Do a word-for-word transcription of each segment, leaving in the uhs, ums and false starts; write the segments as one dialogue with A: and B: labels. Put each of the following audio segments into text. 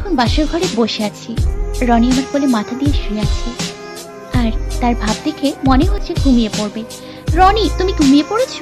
A: এখন বাসর ঘরে বসে আছি। রনি আমার কোলে মাথা দিয়ে শুয়ে আছে, আর তার ভাব দেখে মনে হচ্ছে ঘুমিয়ে পড়বে। রনি, তুমি ঘুমিয়ে পড়েছো?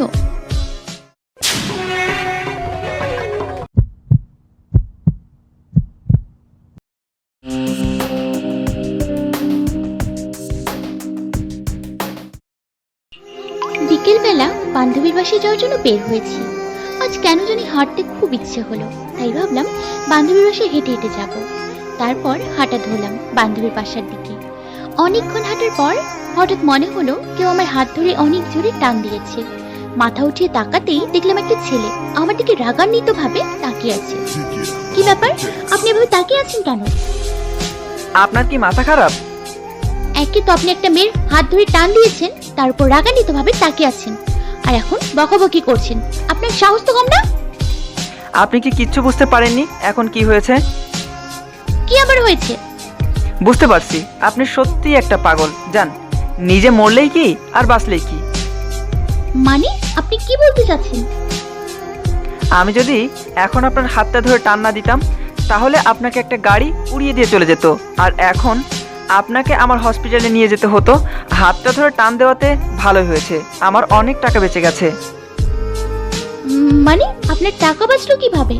A: বিকেলবেলা বান্ধবীর বাসায় যাওয়ার জন্য বের হয়েছি। আজ কেন জানি হাঁটতে খুব ইচ্ছে হলো, তাই ভাবলাম বান্ধবীর বাসায় হেঁটে হেঁটে যাব। তারপর হাঁটা ধরলাম বান্ধবীর বাসার দিকে। অনেকক্ষণ হাঁটার পর হঠাৎ মনে হলো কেউ আমার হাত ধরে অনেক জোরে টান দিয়েছে। মাথা উঠিয়ে তাকাতেই দেখলাম একটা ছেলে আমার দিকে রাগান্বিত ভাবে তাকিয়ে আছে। কি ব্যাপার, আপনি এভাবে তাকিয়ে আছেন কেন?
B: আপনার কি মাথা খারাপ?
A: একে তো আপনি একটা মেয়ের হাত ধরে টান দিয়েছেন, তার উপর রাগান্বিত ভাবে তাকিয়ে আছেন, আর এখন বকাবকি করছেন। আপনার সাহস তো কম না?
B: আপনি কি কিচ্ছু বুঝতে পারেননি এখন কি হয়েছে?
A: কি আবার হয়েছে?
B: বুঝতে পারছি, আপনি সত্যি একটা পাগল। জান, নিজে মরলেই কি আর বাঁচলেই কি।
A: মানে আপনি কি বলতে চাচ্ছেন?
B: আমি যদি এখন আপনার হাতটা ধরে টান না দিতাম, তাহলে আপনাকে একটা গাড়ি উড়িয়ে দিয়ে চলে যেত, আর এখন আপনাকে আমার হসপিটালে নিয়ে যেতে হতো। হাতটা ধরে টান দেওয়াতে ভালোই হয়েছে, আমার অনেক টাকা বেঁচে গেছে।
A: উম, মানে আপনার টাকা বাঁচলো কিভাবে?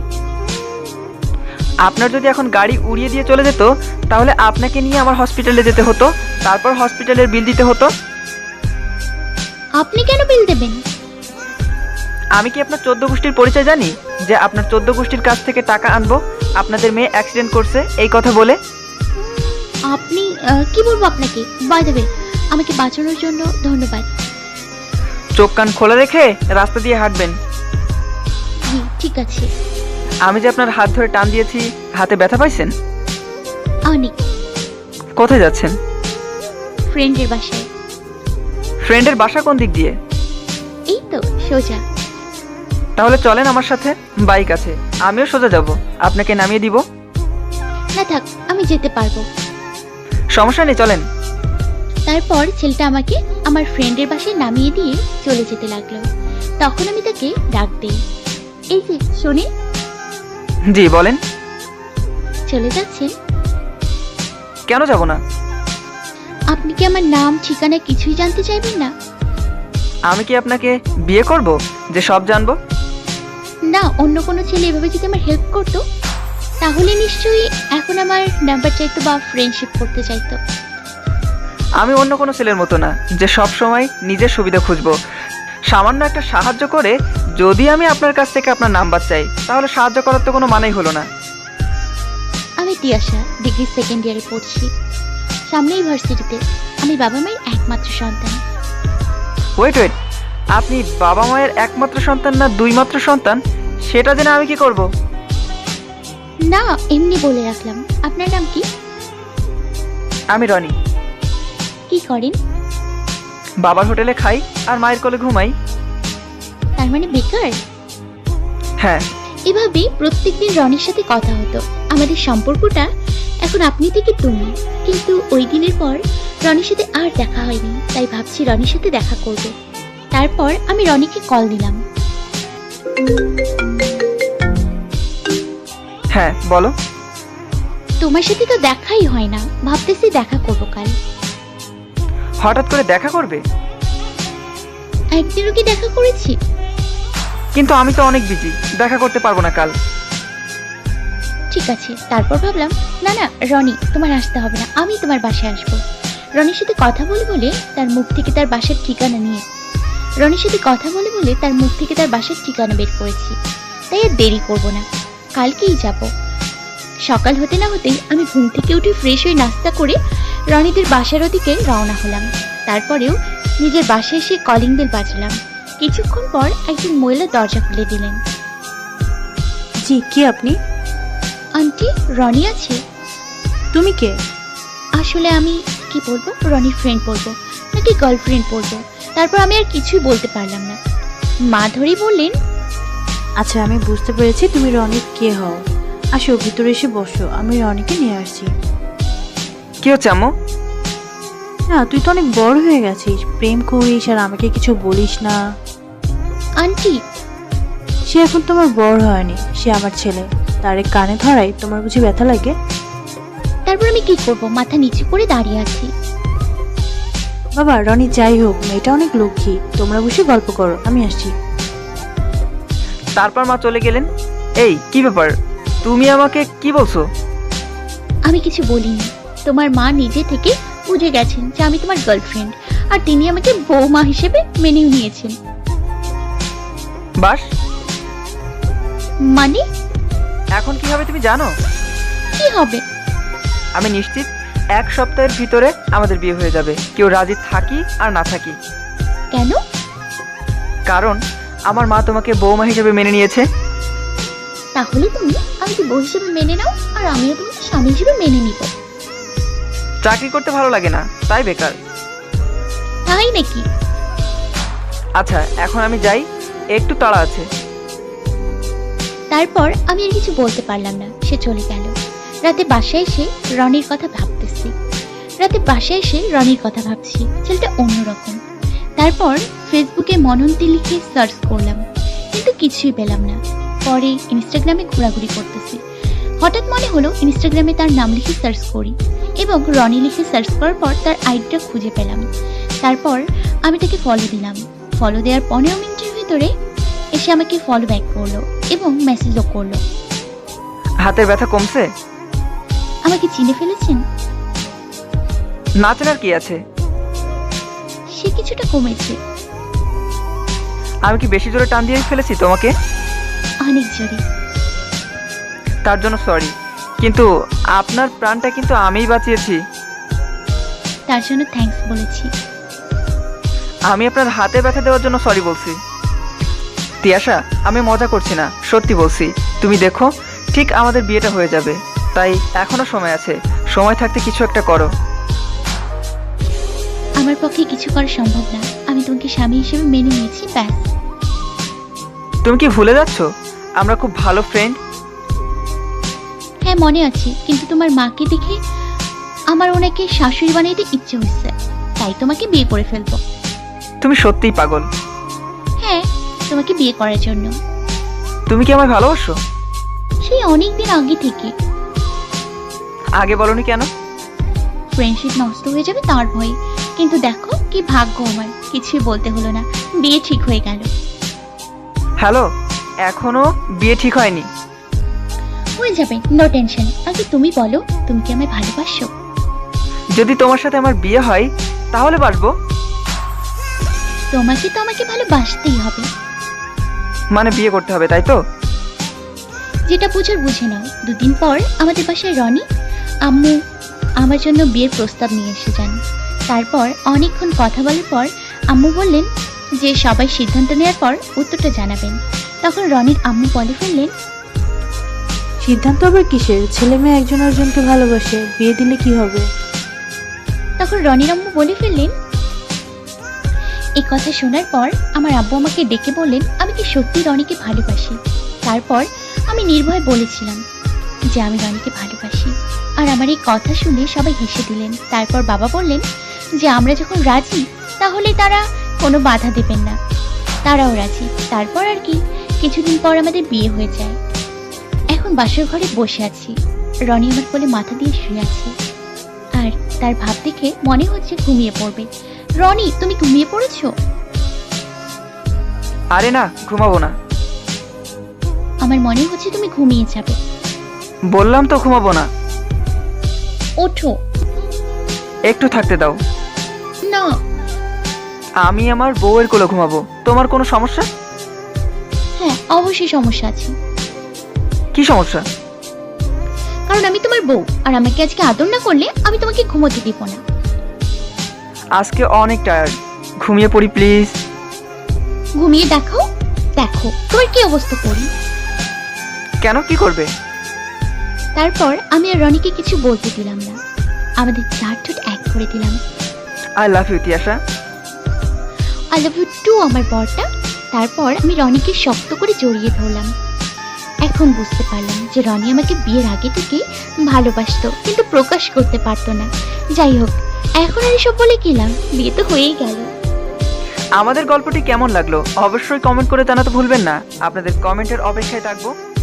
B: আপনার যদি এখন গাড়ি উড়িয়ে দিয়ে চলে যেত, তাহলে আপনাকে নিয়ে আমার হসপিটালে যেতে হতো, তারপর হসপিটালের বিল দিতে হতো।
A: আপনি কেন বিল দেবেন?
B: আমি কি আপনার চোদ্দ গোষ্ঠীর পরিচয় জানি যে আপনার চোদ্দ গোষ্ঠীর কাছ থেকে টাকা আনবো আপনাদের মেয়ে অ্যাক্সিডেন্ট করছে এই কথা বলে?
A: আপনি আহ, কি বলবো আপনাকে? বাই দ্য ওয়ে, আমাকে বাঁচানোর জন্য ধন্যবাদ।
B: চোখ কান খোলা রেখে রাস্তা দিয়ে হাঁটবেন।
A: জি ঠিক আছে।
B: আমি যে আপনার হাত ধরে টান দিয়েছি, হাতে ব্যথা পাইছেন?
A: অনেক।
B: কোথায় যাচ্ছেন?
A: ফ্রেন্ডের বাসায়।
B: ফ্রেন্ডের বাসা কোন দিক দিয়ে?
A: এই তো সোজা।
B: তাহলে চলেন আমার সাথে, বাইক আছে, আমিও সোজা যাব, আপনাকে নামিয়ে দিব।
A: না থাক, আমি যেতে পারবো।
B: সমস্যা নেই, চলেন।
A: তারপর ছেলেটা আমাকে আমার ফ্রেন্ডের বাসায় নামিয়ে দিয়ে চলে যেতে লাগলো। তখন আমি তাকে ডাক দিই, এই যে শোনেন।
B: জি বলেন।
A: চলে যাচ্ছেন?
B: কেন যাব না?
A: আপনি কি আমার নাম ঠিকানা কিছুই জানতে চাইবেন না?
B: আমি কি আপনাকে বিয়ে করব যে সব জানবো?
A: না, অন্য কোনো ছেলে এভাবে যদি আমার হেল্প করতো, তাহলে নিশ্চয়ই এখন আমার নাম্বার চাইতো বা ফ্রেন্ডশিপ করতে চাইতো।
B: আমি অন্য কোনো ছেলের মতো না যে সব সময় নিজের সুবিধা খুঁজবো। সামান্য একটা সাহায্য করে যদি আমি আপনার কাছ থেকে আপনার নাম্বার চাই, তাহলে সাহায্য করার তো কোনো মানেই হলো না।
A: আমি তিয়াশা, ডিগ্রি সেকেন্ড ইয়ারে পড়ছি সামনে ইউনিভার্সিটিতে। আমি বাবা মায়ের একমাত্র সন্তান।
B: ওয়েট ওয়েট আপনি বাবা মায়ের একমাত্র সন্তান না দুই মাত্র সন্তান, সেটা জেনে আমি কি করব?
A: না, এমনি বলে রাখলাম। আপনার নাম কি?
B: আমি রনি।
A: কি করেন?
B: বাবার হোটেলে খাই আর মায়ের কোলে ঘুমাই।
A: তার মানে বেকার?
B: হ্যাঁ।
A: এভাবেই প্রত্যেকদিন রনির সাথে কথা হতো। আমাদের সম্পর্কটা এখন আপনি থেকে তুমি। কিন্তু ওই দিনের পর রনির সাথে আর দেখা হয়নি, তাই ভাবছি রনির সাথে দেখা করব। তারপর আমি রনিকে কল দিলাম।
B: হ্যাঁ বলো।
A: তোমার সাথে তো দেখাই হয় না, ভাবতেছি দেখা করব কাল।
B: হঠাৎ করে দেখা করবে?
A: একদিনও কি দেখা করেছি?
B: কিন্তু আমি তো অনেক বিজি, দেখা করতে পারবো না কাল।
A: ঠিক আছে। তারপর ভাবলাম না না রনি, তোমার আসতে হবে না, আমি তোমার বাসায় আসবো। রনির সাথে কথা বলে বলে তার মুখ থেকে তার বাসার ঠিকানা নিয়ে রনির সাথে কথা বলে বলে তার মুখ থেকে তার বাসার ঠিকানা বের করেছি। তাই আর দেরি করব না, কালকেই যাব। সকাল হতে না হতেই আমি ঘুম থেকে উঠে ফ্রেশ হয়ে নাস্তা করে রনিদের বাসার ওদিকে রওনা হলাম। তারপরেও নিজের বাসায় এসে কলিং বেল বাজালাম। কিছুক্ষণ পর একজন মহিলা দরজা খুলে দিলেন।
C: জি, কে আপনি?
A: আন্টি, রনি আছে?
C: তুমি কে?
A: আসলে আমি কি বলবো, রনির ফ্রেন্ড বলবো নাকি গার্লফ্রেন্ড বলবো, তারপর আমি আর কিছুই বলতে পারলাম না। মা ধরেই বললেন,
C: আচ্ছা আমি বুঝতে পেরেছি তুমি রনির কে হও। আসো ভিতরে এসে বসো, আমি রনিকে নিয়ে আসছি।
B: কি হচ্ছে আম্মু?
C: না তুই তো অনেক বড় হয়ে গেছিস, প্রেম করিস আর আমাকে কিছু বলিস না।
A: আন্টি।
C: সে এখন তোমার বড় হয়নি, সে আমার ছেলে, তারে কানে ধরাই তোমার বুঝি ব্যথা লাগে?
A: তারপর আমি কি করব? মাথা নিচু করে দাঁড়িয়ে আছি।
C: বাবা রনি যাই হোক, মেয়েটা অনেক লক্ষ্মী। তোমরা বসে গল্প করো, আমি আসছি।
B: তারপর মা চলে গেলেন। এই কি ব্যাপার, তুমি আমাকে কি বলছো?
A: আমি কিছু বলিনি। তোমার মা নিজে থেকে বুঝে গেছেন যে আমি তোমার গার্লফ্রেন্ড, আর তিনি আমাকে বৌমা হিসেবে মেনেও নিয়েছেন।
B: বাস,
A: মানে
B: এখন কি হবে তুমি জানো?
A: কি হবে?
B: আমি নিশ্চিত এক সপ্তাহের ভিতরে আমাদের বিয়ে হয়ে যাবে, কেউ রাজি থাকি আর না থাকি।
A: কেন?
B: কারণ আমার মা তোমাকে বৌমা হিসেবে মেনে নিয়েছে।
A: তাহলে তুমি আমাকে বউ হিসেবে মেনে নাও, আর আমিও তোমাকে স্বামী হিসেবে মেনে নিব।
B: চাকরি করতে ভালো লাগে না, তাই বেকার।
A: তাই নাকি?
B: আচ্ছা এখন আমি যাই, একটু তাড়া আছে।
A: তারপর আমি আর কিছু বলতে পারলাম না, সে চলে গেল। রাতে বাসায় এসে রনির কথা ভাবতেছি রাতে বাসায় এসে রনির কথা ভাবছি ছেলেটা অন্যরকম। তারপর ফেসবুকে মনন্তি লিখে সার্চ করলাম, কিন্তু কিছুই পেলাম না। পরে ইনস্টাগ্রামে ঘোরাঘুরি করতেছি, হঠাৎ মনে হলো ইনস্টাগ্রামে তার নাম লিখে সার্চ করি, এবং রনি লিখে সার্চ করার পর তার আইডিটা খুঁজে পেলাম। তারপর আমি তাকে ফলো দিলাম। ফলো দেওয়ার পনেরো মিনিটের ভিতরে এসে আমাকে ফলো ব্যাক করলো এবং মেসেজও করলো।
B: হাতের ব্যথা কমছে?
A: আমাকে চিনে ফেলেছেন?
B: না চেনার কি আছে,
A: সে কিছুটা কমেছে।
B: আমি কি বেশি জোরে টান দিয়ে ফেলেছি তোমাকে?
A: অনেক জোরে।
B: তার জন্য সরি, কিন্তু আপনার প্রাণটা কিন্তু আমিই বাঁচিয়েছি।
A: তার জন্য থ্যাঙ্কস বলেছি।
B: আমি আপনার হাতে ব্যথা দেওয়ার জন্য সরি বলছি। তিয়াশা, আমি মজা করছি না, সত্যি বলছি। তুমি দেখো, ঠিক আমাদের বিয়েটা হয়ে যাবে, তাই এখনো সময় আছে। সময় থাকতে কিছু একটা করো।
A: আমার পক্ষে কিছু করা সম্ভব না, আমি তোমাকে স্বামী হিসেবে মেনে নিয়েছি, ব্যাস।
B: তুমি কি ভুলে যাচ্ছ আমরা খুব ভালো ফ্রেন্ড?
A: হ্যাঁ মনে আছে, কিন্তু তোমার মাকে দেখে আমার ওনাকে শাশুড়ি বানাইতে ইচ্ছে হচ্ছে, তাই তোমাকে বিয়ে করে ফেলবো।
B: তুমি সত্যিই পাগল।
A: হ্যাঁ, তোমাকে বিয়ে করার জন্য।
B: তুমি কি আমায় ভালোবাসো?
A: সেই অনেক দিন আগে থেকে।
B: আগে বলনি কেন?
A: ফ্রেন্ডশিপ নষ্ট হয়ে যাবে তার ভয়ে। কিন্তু দেখো কি ভাগ্য আমার, কিছুই বলতে হলো না, বিয়ে ঠিক হয়ে গেল।
B: হ্যালো, এখনো বিয়ে ঠিক হয়নি।
A: হয়ে যাবে, নো টেনশন। আগে তুমি বলো, তুমি কি আমায় ভালোবাসো?
B: যদি তোমার সাথে আমার বিয়ে হয় তাহলে বাসবো।
A: তোমাকে তো আমাকে ভালোবাসতেই হবে।
B: মানে বিয়ে করতে হবে, তাই তো?
A: যেটা বুঝার বুঝে নাও। দুদিন পর আমাদের বাসায় রনি আম্মু আমার জন্য বিয়ের প্রস্তাব নিয়ে এসে যান। তারপর অনেকক্ষণ কথা বলার পর আম্মু বললেন যে সবাই সিদ্ধান্ত নেওয়ার পর উত্তরটা জানাবেন। তখন রনির আম্মু বলে ফেললেন,
C: সিদ্ধান্ত আবার কিসের? ছেলে মেয়ে একজন আরেকজনকে ভালোবাসে, বিয়ে দিলে কি হবে?
A: তখন রনির আম্মু বলে ফেললেন, এই কথা শোনার পর আমার আব্বু আমাকে ডেকে বললেন আমি কি সত্যি রনিকে ভালোবাসি। তারপর আমি নির্ভয় বলেছিলাম যে আমি রনিকে ভালোবাসি, আর আমার এই কথা শুনে সবাই হেসে দিলেন। তারপর বাবা বললেন যে আমরা যখন রাজি তাহলে তারা কোনো বাধা দেবেন না, তারাও রাজি। তারপর আর কি, কিছুদিন পর আমাদের বিয়ে হয়ে যায়। এখন বাসর ঘরে বসে আছি, রনি আমার কোলে মাথা দিয়ে শুয়ে আছে, আর তার ভাব দেখে মনে হচ্ছে ঘুমিয়ে পড়বে। রনি, তুমি ঘুমিয়ে পড়েছো?
B: আরে না, ঘুমাবো না।
A: আমার মনে হচ্ছে তুমি ঘুমিয়ে যাবে।
B: বললাম তো ঘুমাবো না।
A: ওঠো।
B: একটু থাকতে দাও।
A: না।
B: আমি আমার বউয়ের কোলে ঘুমাবো, তোমার কোনো সমস্যা?
A: হ্যাঁ, অবশ্যই সমস্যা আছে।
B: কি সমস্যা?
A: কারণ আমি তোমার বউ, আর আমাকে আজকে আদর না করলে আমি তোমাকে ঘুমোতে দিব না।
B: আজকে অনেক টায়ার্ড, ঘুমিয়ে পড়ি প্লিজ।
A: ঘুমিয়ে দেখাও। দেখো তোমার কি অবস্থা করি।
B: কেন, কি করবে?
A: তারপর আমি আর রনিকে কিছু বলতে দিলাম না, আমাদের চার ঠোঁট এক করে দিলাম।
B: I love you Tiyasha.
A: I love you too আমার বরটা। তারপর আমি রনিকে শক্ত করে জড়িয়ে ধরলাম। এখন বুঝতে পারলাম যে রনি আমাকে বিয়ের আগে থেকে ভালোবাসতো, কিন্তু প্রকাশ করতে পারতো না। যাই হোক, এখন আর এসব বলে কি লাভ, বিয়ে তো হয়েই গেল।
B: আমাদের গল্পটি কেমন লাগলো অবশ্যই কমেন্ট করে জানাতে ভুলবেন না। আপনাদের কমেন্টের অপেক্ষায় থাকবো।